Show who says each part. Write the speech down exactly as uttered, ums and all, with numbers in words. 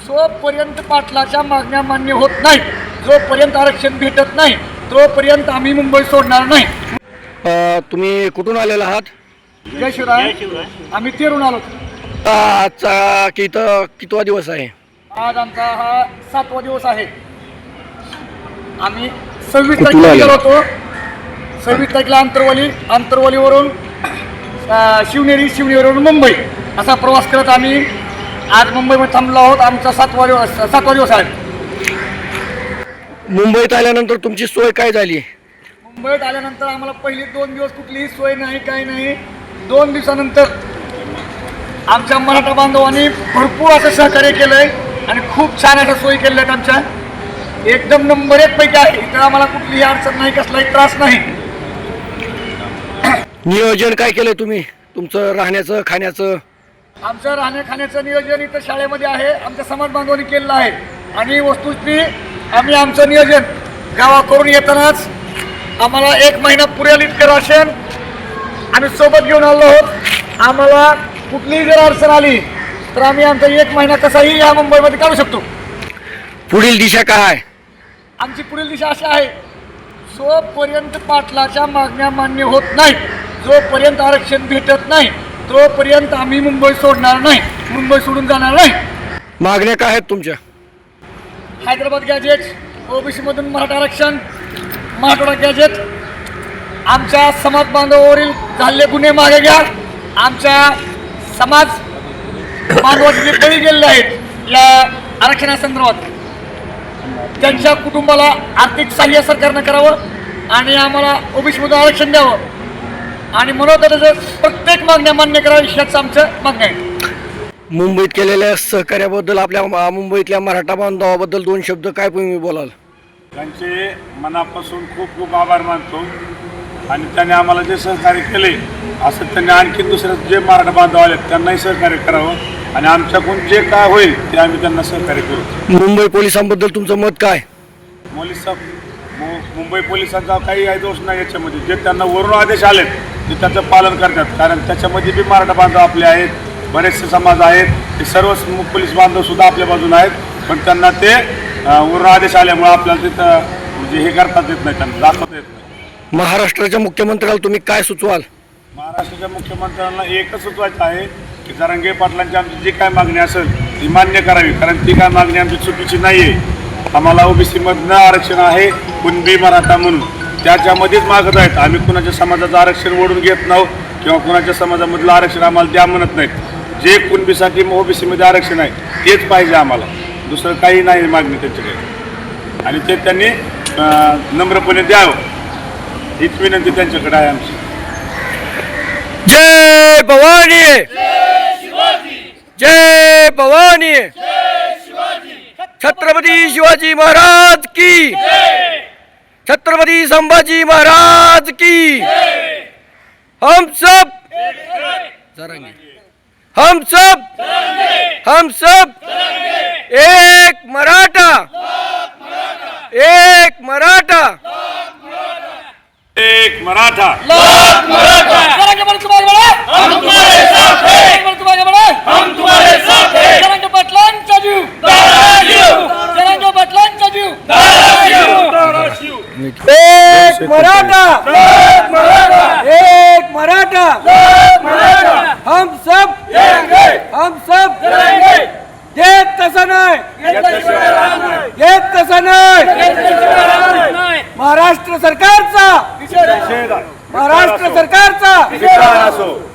Speaker 1: जोपर्यंत पाटलाच्या मागण्या मान्य होत नाहीत, जोपर्यंत आरक्षण भेटत नाही, तोपर्यंत आम्ही मुंबई सोडणार नाही.
Speaker 2: अ, तुम्ही कुठून आलेला आहात?
Speaker 1: जय शिवराय. आम्ही तेरून आलो.
Speaker 2: अ, आजचा की इथं कितवा दिवस आहे?
Speaker 1: आज आमचा हा सातवा दिवस आहे. आम्ही सव्वीस
Speaker 2: कुठून
Speaker 1: तारखेला
Speaker 2: आले?
Speaker 1: गेलो होतो. सव्वीस तारखेला आंतरवाली, आंतरवालीवरून अ, शिवनेरी, शिवनेरीवरून मुंबई असा प्रवास करत आम्ही आज मुंबईमध्ये थांबलो आहोत. आमचा सातवा दिवस सातवा दिवस आहे.
Speaker 2: मुंबईत आल्यानंतर तुमची सोय काय झाली?
Speaker 1: मुंबईत आल्यानंतर आम्हाला पहिले दोन दिवस कुठलीही सोय नाही, काही नाही. दोन दिवसानंतर आमच्या मराठा बांधवांनी भरपूर असं सहकार्य केलं आहे आणि खूप छान अशा सोयी केल्या आहेत. आमच्या एकदम नंबर एक पैकी आहे. इथं आम्हाला कुठलीही अडचण नाही, कसलाही त्रास नाही.
Speaker 2: नियोजन काय केलंय तुम्ही तुमचं राहण्याचं खाण्याचं?
Speaker 1: आमचं राहण्या खाण्याचं नियोजन इथं शाळेमध्ये आहे, आमच्या समाज बांधवांनी केलेलं आहे. आणि वस्तुस्थिती आम्ही आमचं नियोजन गावाकडून येतानाच आम्हाला एक महिना पुरेल इतकं राशन आम्ही सोबत घेऊन आलो आहोत. आम्हाला कुठलीही जर अडचण आली तर आम्ही आमचा एक महिना कसाही या मुंबईमध्ये काढू शकतो.
Speaker 2: पुढील दिशा काय?
Speaker 1: आमची पुढील दिशा अशी आहे, जोपर्यंत पाटलाच्या मागण्या मान्य होत नाहीत, जोपर्यंत आरक्षण भेटत नाही, तोपर्यंत आम्ही मुंबई सोडणार नाही, मुंबई सोडून जाणार नाही.
Speaker 2: मागण्या काय आहेत तुमच्या?
Speaker 1: हैदराबाद गॅजेट, ओबीसीमधून मराठा आरक्षण, मराठवाडा गॅजेट, आमच्या समाज बांधवावरील झालेले गुन्हे मागे घ्या. आमच्या समाज बांधवाचे जे बळी गेलेले आहेत या आरक्षणासंदर्भात त्यांच्या कुटुंबाला आर्थिक सहाय्य सरकारनं करावं आणि आम्हाला ओबीसीमधून आरक्षण द्यावं आणि म्हणून प्रत्येक मागण्या मान्य करावी ह्याच आमचं मागणं आहे.
Speaker 2: मुंबईत केलेल्या सहकार्याबद्दल, आपल्या मा- मुंबईतल्या मराठा बांधवाबद्दल दोन शब्द काय तुम्ही बोलाल?
Speaker 3: त्यांचे मनापासून खूप खूप आभार मानतो आणि त्यांनी आम्हाला जे सहकार्य केले असं त्यांनी आणखी दुसरे जे मराठा बांधव आले त्यांनाही सहकार्य करावं आणि आमच्याकडून जे काय होईल ते आम्ही त्यांना सहकार्य करू.
Speaker 2: मुंबई पोलिसांबद्दल तुमचं मत काय?
Speaker 3: पोलिस मुंबई पोलिसांचा काही दोष नाही याच्यामध्ये. जे त्यांना वरून आदेश आलेत ते त्याचं पालन करतात, कारण त्याच्यामध्ये बी मराठा बांधव आपले आहेत, बरेचसे समाज आहेत, ते सर्व पोलीस बांधवसुद्धा आपल्या बाजूने आहेत. पण त्यांना ते वरून आदेश आल्यामुळे आपल्याला तिथं म्हणजे हे करतात येत नाही, त्यांना दाखवता येत नाही.
Speaker 2: महाराष्ट्राच्या मुख्यमंत्र्याला तुम्ही काय सुचवाल?
Speaker 3: महाराष्ट्राच्या मुख्यमंत्र्यांना एकच सुचवायचं आहे की जरांगे पाटलांची आमची जी काय मागणी असेल ती मान्य करावी, कारण ती काय मागणी आमची चुकीची नाही आहे. आम्हाला ओबीसीमधनं आरक्षण आहे, कुणबी मराठा म्हणून त्याच्यामध्येच मागत आहेत. आम्ही कुणाच्या समाजाचं आरक्षण ओढून घेत नाहो किंवा कुणाच्या समाजामधलं आरक्षण आम्हाला द्या म्हणत नाहीत. जे कुणबीसाठी ओबीसीमध्ये आरक्षण आहे तेच पाहिजे आम्हाला, दुसरं काही नाही मागणी त्यांच्याकडे आणि ते त्यांनी नम्रपणे द्यावं हीच विनंती त्यांच्याकडे आहे आमची.
Speaker 2: जय भवानी, जय भवानी, छत्रपती शिवाजी महाराज की, छत्रपती संभाजी महाराज की. हम सब जरांगे, हम सब हम सब एक मराठा, एक मराठा,
Speaker 3: एक मराठा.
Speaker 1: जरांगे पाटील तुम्हाला बळा, हम तुम्हारे साथ हैं. जरांगे पाटील तुम्हाला बळा, हम तुम्हारे साथ हैं. जरांगे पाटलांचा जीव, जरांगे पाटलांचा जीव,
Speaker 2: एक मराठा, एक मराठा, हम सब हम सब एक तसं नाही, एक तसं नाही. महाराष्ट्र सरकारचा,
Speaker 3: निषेध आहे.
Speaker 2: महाराष्ट्र सरकारचा
Speaker 3: धिक्कार असो.